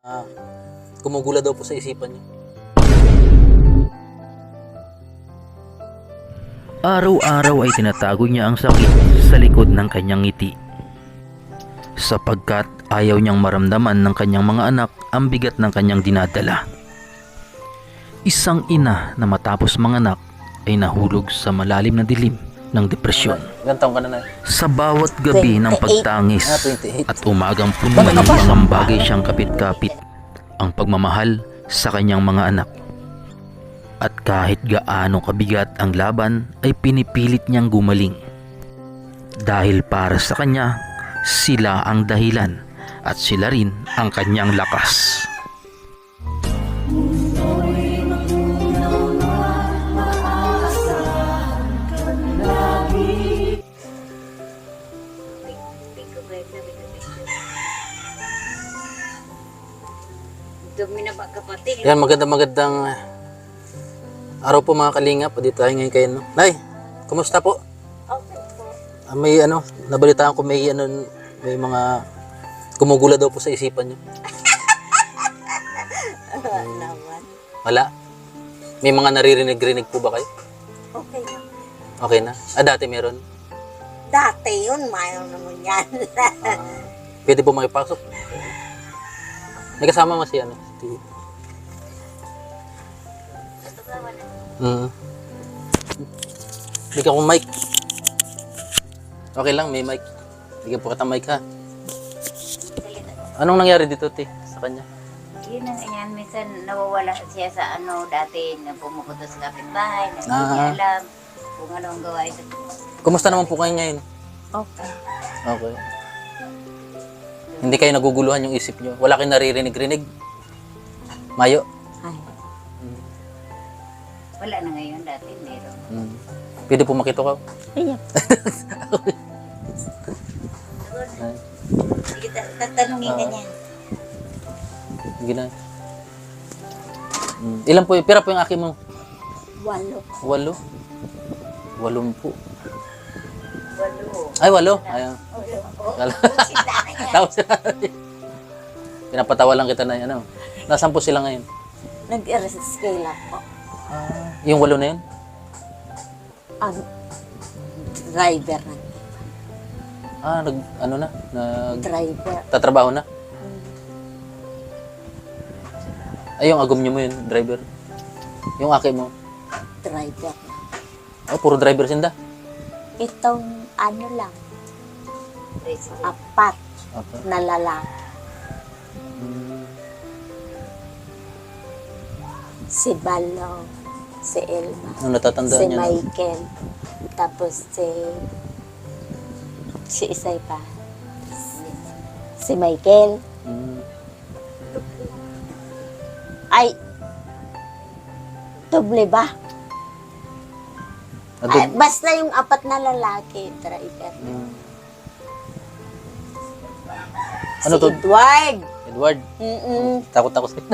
Ah, gumugula daw po sa isipan niya. Araw-araw ay tinatago niya ang sakit sa likod ng kanyang ngiti. Sapagkat ayaw niyang maramdaman ng kanyang mga anak ang bigat ng kanyang dinadala. Isang ina na matapos manganak ay nahulog sa malalim na dilim ng depresyon. Ilang taon ka na, Nay? Sa bawat gabi ng pagtangis 28. at umagang puno ng mga bagay siyang kapit-kapit ang pagmamahal sa kanyang mga anak. At kahit gaano kabigat ang laban ay pinipilit niyang gumaling. Dahil para sa kanya, sila ang dahilan at sila rin ang kanyang lakas. Dumi na ba kapatid? Yan, magandang araw po mga kalingap. Dito tayo ngayon kayo, no? Nay, kumusta po? Okay po. May nabalitaan ko may mga gumugula daw po sa isipan niyo. Naman. Wala? May mga naririnig-rinig po ba kayo? Okay na. Okay na? Dati meron. Dati yun, mayroon naman yan. Pwede po makipasok. May kasama mo si Bigyan ko mic. Okay lang, may mic. Bigyan po kita mic, ha? Anong nangyari dito, Ti, sa kanya? Yun ang yan, minsan nawawala siya sa dati na pumupunta sa kapitbahay, na hindi niya alam kung ano ang gawain sa... Kumusta naman po kayo ngayon? Okay. Okay. Hindi kayo naguguluhan yung isip nyo? Wala kayong naririnig-rinig? Mayo? Ay. Wala na ngayon, dati meron. Pwede po makito ka? Ayan. Sige, tatanungin ka niyan. Sige na. Ilan po, pira po yung aki mo? 8. 8? 8 po. 8. Ay, 8? Ayun. Tapos pinapatawa lang kita na Nasaan po sila ngayon? Nag-scale up po. Yung 8 na yun? Ang driver na. Driver. Tatrabaho na? Ay, yung agom nyo mo yun, driver. Yung aki mo? Driver na. Puro driver sinda? Itong lang. 4 na lalaki. Si Balong, si Elma, Ano natatandaan si niya? Michael, tapos si Isay pa. Si Michael. Ay, doble ba? Ay, basta yung 4 na lalaki, driver. Ano si to? Edward. Edward? Takot ako sa'yo.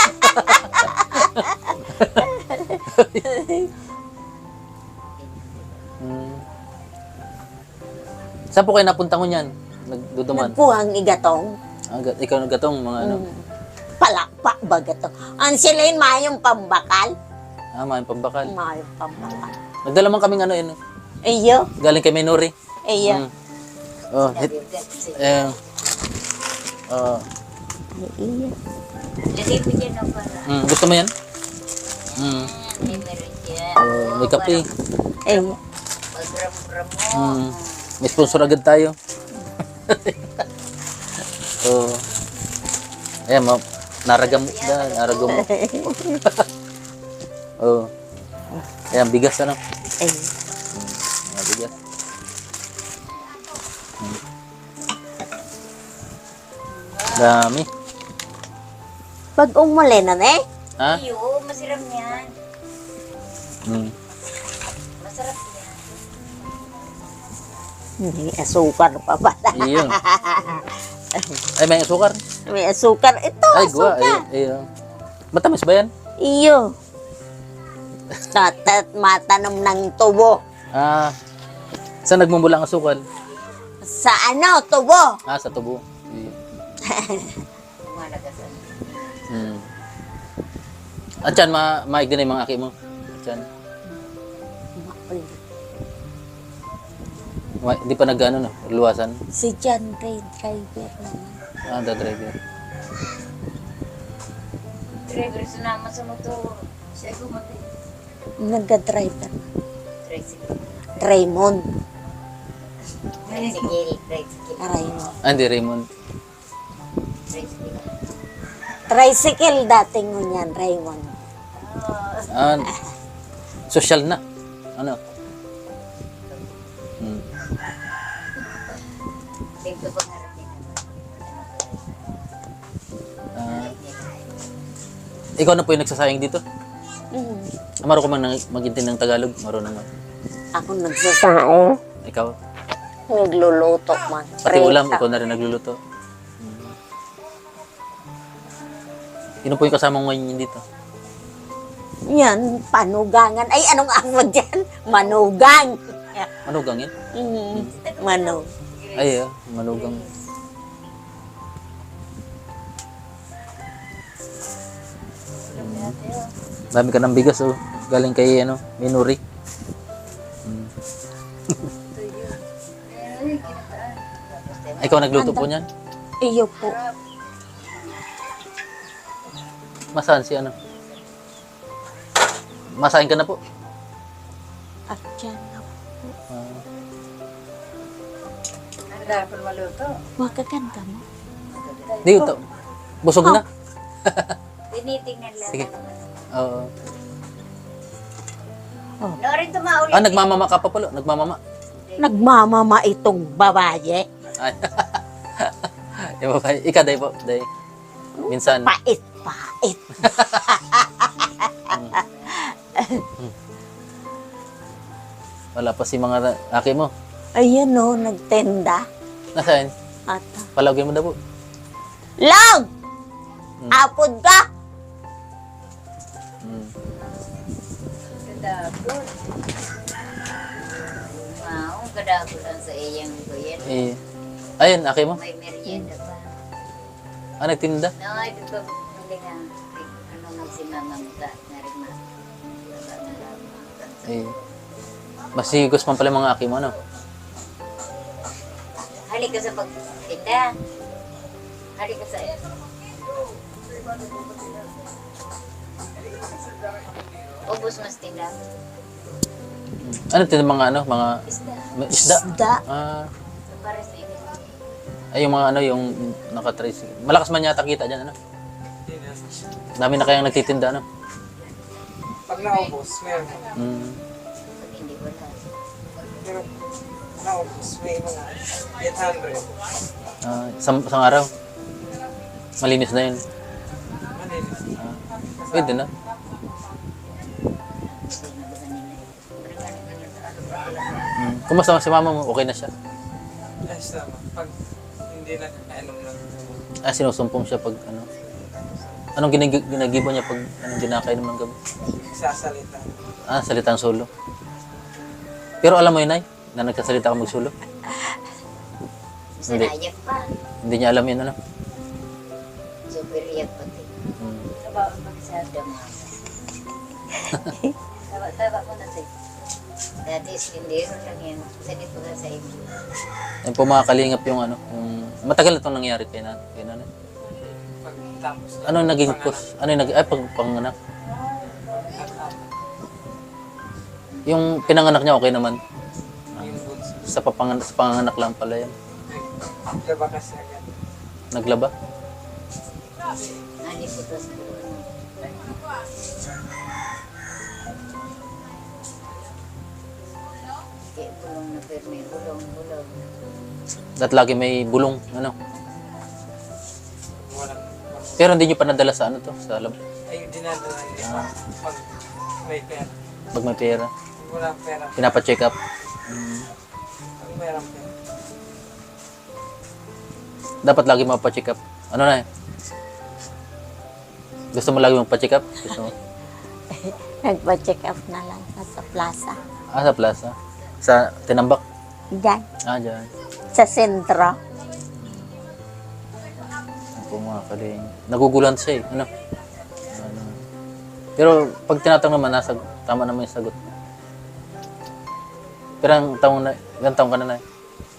Saan po kayo napunta ko niyan? Nagduduman? Nagpuhang igatong. Ikaw naggatong mga Palakpa ba gatong? Ang silin, mayong pambakal. May pambakal. Mayong pambakal. Nagdala man kaming ano. Iyo. Galing kay Minori. Iyo. Iyo. Gusto mo yan? May kape. Iyo. May sponsor agad tayo. Ayan, naragam mo. Ayan, bigas ano? Iyo. Bigas. Dami. Pag umuli na Ha? Iyo, masarap niyan. Masarap yan. May asukar pa pala. Iyon. Ay, may asukar. May asukar. Ito, Ay, asukar. Matamis ba yan? Iyo. Matanong ng tubo. Saan nagmumula ang asukal? Sa tubo. Sa tubo. Malagasan. Hmm. At yan, maig din na yung mga aki mo. At yan. Hindi pa nag-ano no, luwasan. Si John Ray, driver naman. Ah, the driver. Driver sa naman sa motor. Siya gumatay. Nagka-driver. Tricycle. Raymond. Tricycle. Tricycle. Raymond. Ah, hindi, Raymond. Tricycle. Tricycle dating mo niyan, Raymond. Ah, social na. Ano? Hmm. Dito pa nga rin. Ah, ikaw na po yung nagsasayang dito? Mm. Marunong ka man mag-intindi ng Tagalog? Marunong naman. Ako nagsasaing. Ikaw? Nagluluto man. Pati ulam, Preta. ikaw na rin nagluluto. Hmm. Sino po yung kasama mo ngayon dito? Yan, panugangan. Ay, anong awad yan? Manugang. Manugang yan? Manug. Ay, manugang. Dami ka ng bigas, oh. Galing kay, Minuri. Hmm. Ikaw nagluto po niyan? Iyo po. Masaan si Masahin ka na po? At yan na po. Ah, Ang dapat maluto. Makaganda mo. di ito. Busog na. Tinitingnan lang. Sige. Oo. Norin tumaulit. Ah, nagmamama ka pa pala. Nagmamama. Nagmamama itong babae. Ay. Yung babae. Ika, day po. Day. Minsan. Pait. Wala pa si mga aki mo. Ayan o, nagtenda. Nasaan? At, Palagay mo na po. Long! Apod ka! Hmm. Kadabot. Wow, kadabot lang sa iyang kuyan. Eh. Ayun, aki mo. May merienda pa. Ah, nagtinda? No, ay dito hindi nga. Ano nga si mama mo na rin ma. Eh. Masigos man pala yung mga aki mo, ano? Halik ka sa pagtinda. Halik ka sa... Ubus mas tinda. Ano tinda mga mga Isda. isda? Da. Ah, Para sa inyo. ay yung mga yung nakatricycle. Malakas man yata kita dyan, ano? Dami na kayang nagtitinda, ano? Pag naubos, meron. Hmm. Pag hindi wala. Pero naubos, may mga 800. Ah, isang araw. Malinis na yun. Malinis. Pwede na. Kumusta si mama mo? Okay na siya? Ayos naman. Pag hindi nakainom ng Ah, sinusumpong siya pag Anong ginagibo niya pag ginakainom ng gabi? sasalita. Ah, salitang solo. Pero alam mo yun, Nay, na nagsasalita ka magsulo? Hindi. Sinayak pa. Hindi niya alam yun, ano? Super iyak pati. Hmm. Trabaho pa sa dama. Taba mo na sa'yo. Dati iskindero lang yan. Sa dito ka sa inyo. Yan po mga kalingap yung yung matagal na itong nangyari kay nanay. Pag tapos Ano yung naging cause? Ano yung panganak? Yung pinanganak niya okay naman. yung bunso. Sa panganak lang pala yan. Diba kasi agad. Naglaba? Nani po tas po. Kaya bulong na perme. Bulong. Dahil lagi may bulong, ano? Walang, Pero hindi niyo pa nadala sa sa lab. ay dinadala niya pag may pera. Pag may pera. Pag walang pera, Pinapa-check up. pag mayroong pera. Dapat lagi mapa-check up. Ano na Gusto mo lagi magpa-check up? Gusto mo? Nagpa-check up na lang sa plaza. Ah, sa plaza. Sa Tinambak. Diyan. Ah, dyan. Sa sentro. Ang po mga Mga kalinga. Naguguluhan siya eh. Ano? Pero pag tinatanong naman, tama naman yung sagot. Pero ilang taong ka na na?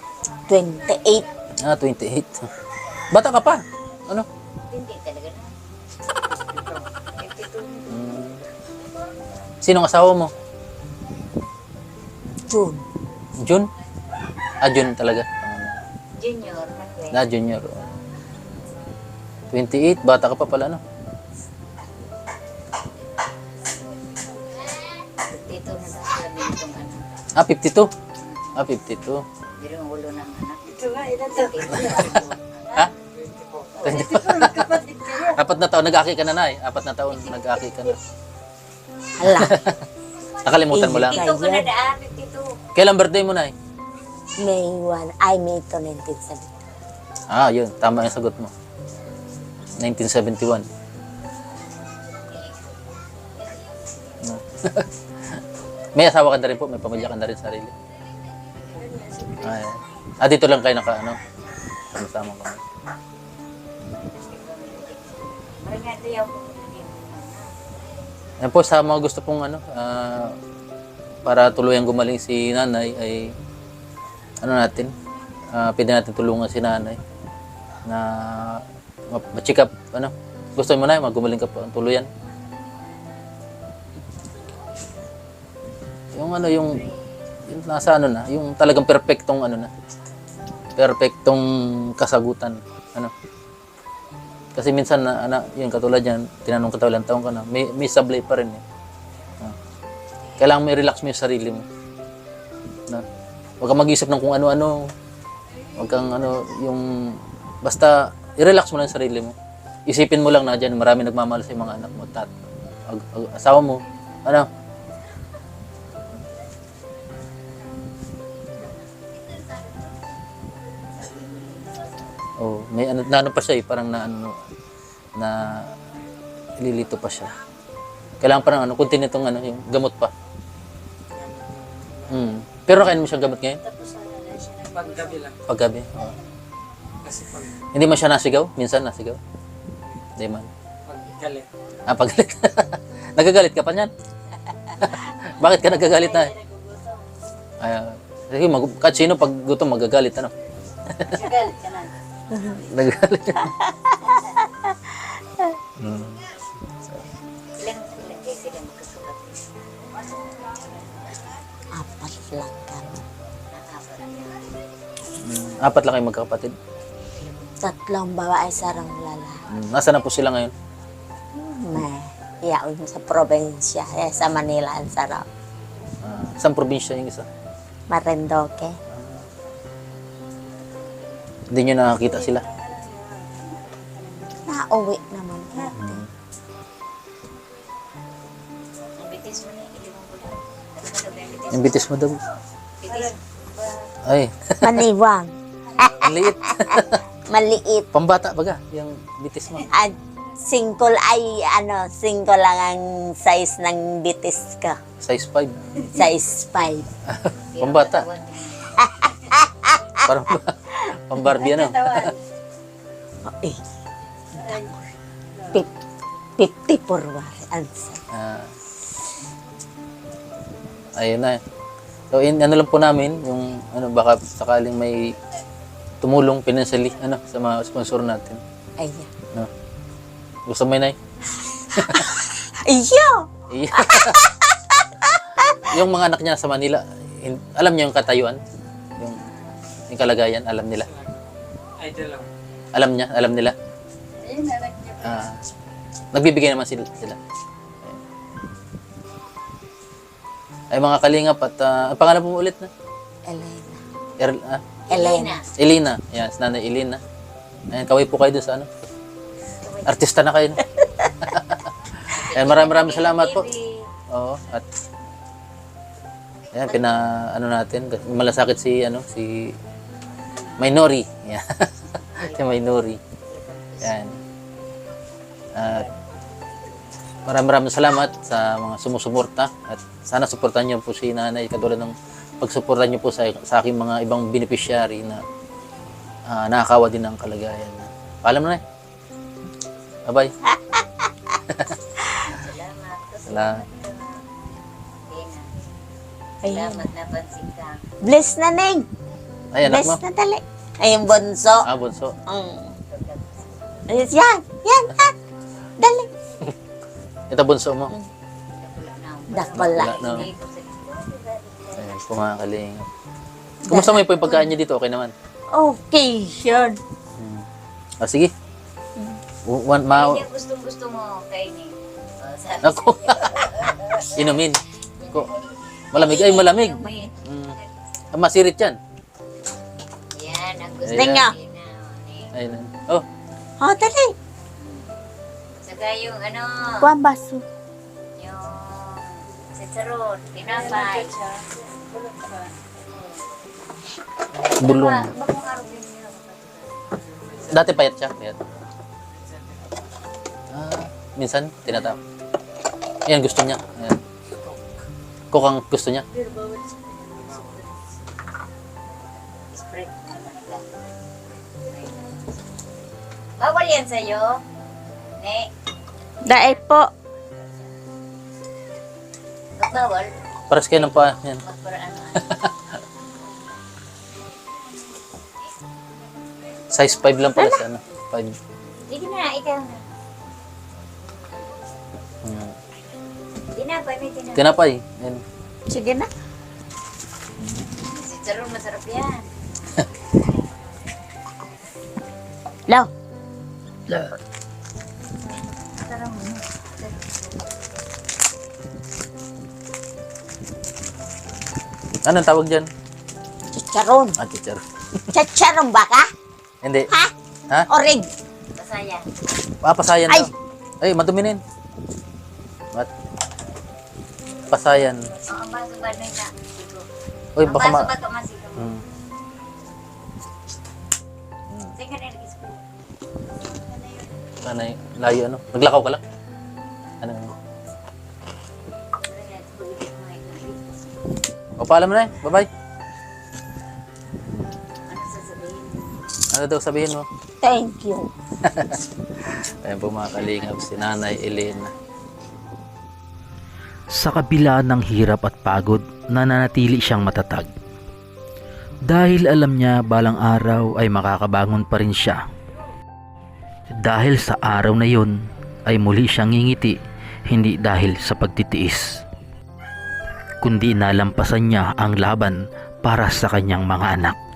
28. 28. Bata ka pa. Ano? Hindi talaga na. Sinong asawa mo? June. June? June talaga. Junior, Manuel. Junior. 28, bata ka pa pala, no? Dito na sila nitong ano. 52? 52. Pero ang ulo ng anak. Ha? 24. 4 na taon, nag-aki ka na na eh. 4 na taon, nag-aki ka na. Hala. Nakalimutan mo lang. Easy. Ito ko na daan, 52. Kailan birthday mo na eh? May 1. Ay, May 2, 1970. Yun. Tama yung sagot mo. 1971. No. May asawa ka na rin po? May pamilya ka na rin sarili? Dito lang kayo sama-sama kami. Maringado yung Yan po, sa mga gusto pong para tuluyang gumaling si nanay ay pwede natin tulungan si nanay na ma-check up, gusto mo na magumaling ka po ang tuluyan. Yung yung nasa yung talagang perfectong perfectong kasagutan. Kasi minsan yung katulad yan, tinanong ka ilang taon ka na, may sablay pa rin eh. Kailangan may relax mo yung sarili mo. Huwag kang mag-isip ng kung ano-ano. Huwag kang basta i-relax mo lang yung sarili mo. Isipin mo lang na dyan, marami nagmamahal sa mga anak mo, asawa mo, may pa siya eh, parang na ililito pa siya. Kailangan parang kunti nitong yung gamot pa. Pero nakain mo siya gamot ngayon? Paggabi lang. Paggabi? Kasi Hindi man siya nasigaw? Minsan nasigaw? Hindi man. paggalit. Paggalit. Nagagalit ka pa niyan? Bakit ka nagagalit na? Sige, kahit sino pag gutom magagalit, Galit ka na. Nagagalit. Ilan kayo sila magkasukapit? 4 lang kami. 4 lang kayo magkakapatid. 3 babae, 1 lalaki. Nasaan na po sila ngayon? May iyaon sa probinsya. Sa Manila, ang sarap. Saan probinsya yung isa? Marindoque. Hindi nyo nakakita sila. Nauwi naman natin. Ang bitis mo na, ilimang bulan. Ano ba yung bitis? Yung bitis mo daw. Bitis. Ay, Maniwang. ang liit. Maliit. Pambata baga, yung bitis mo. At single lang ang size ng bitis ka. Size 5. Size 5. Pambata. Parang pambarbie Eh. 50 por answer. Ayun na. So, lang po namin, yung baka sakaling may tumulong financially, sa mga sponsor natin. Ayan. Gusto mo yun, Nay? Iyo! Iya. Yung mga anak niya sa Manila, alam niya yung katayuan? Yung kalagayan, alam nila? Idol lang. Alam nila? Ayun, anak niya. Nagbibigay naman sila. Ay mga kalingap at ang pangalan po mo ulit na? Elena. Elena. Elena. Yan, si Nanay Elena. Ayan, kaway po kayo dun sa artista na kayo. Ayan, maraming salamat po. Oo, at ayan, natin, malasakit si Maynori. Yan. Si Maynori. Yan. At maraming salamat sa mga sumusuporta at sana suportahan niyo po si Nanay katulad ng pagsuportahan niyo po sa aking mga ibang beneficiary na nakakawa din ng kalagayan. Paalam na. Bye-bye. Salamat. Salamat. Ina. Ayan. Salamat na pansin ka. Bless na, Neng. Ay, anak Bless mo. na dali. Ay, yung bunso. Ah, bunso. Ayun, yan. Yan, ha. Dali. Ito bunso mo. Dakala. Wala na. Ayan po mga kalingap. Kumusta mo po yung pagkain niyo dito? Okay naman. Okay, yun. Ah, sige. Kaya gustong-gusto mo kainin. Sabi Ako. Inumin. Malamig. Ay, malamig. Inumin. Masirit yan. Yan, ang gusto Ayan. Nga. Ayun. Oh, Oh, dali. Saka yung ano, Kuwan baso. yung sitsaron, tinapay. bulong. Bakong araw din nila. Dati payat siya. Payat. Ah, minsan, tinatap. Ayan, gusto niya. Ayan. Kokang gusto niya. Spread. Bawal yan sa'yo. Ne, Dahil po. pag bawal, Paras kayo ng pa. Ayan. magparaan. Size 5 lang pala siya. Ano? 5. Sige na, ikaw na. Tinapay, may tinapay. Tinapay. Ayan. Sige na. Sitsaron, masarap yan. Law. Masarap mo. Anong tawag dyan? Chicharon. Ah, teacher. Chicharon ba ka? Hindi. Ha? Ha? Orig. Masaya. Pasayan Ay! daw. Ay, maduminin. What? Pasayan. O, ang baso ba na na? Sigo. Uy, Ang baka baso ma... ba ito masigo? Hmm. Sige na, nag-school. Sana layo ano? Naglakaw ka lang? Ano? O, paalam na eh. Bye-bye. Ano sasabihin? Ano daw sabihin mo? Thank you. Ayan po mga kalingap, si Nanay Elena. Sa kabila ng hirap at pagod, nananatili siyang matatag. Dahil alam niya balang araw ay makakabangon pa rin siya. Dahil sa araw na yon ay muli siyang ngingiti, hindi dahil sa pagtitiis, kundi nalampasan niya ang laban para sa kanyang mga anak.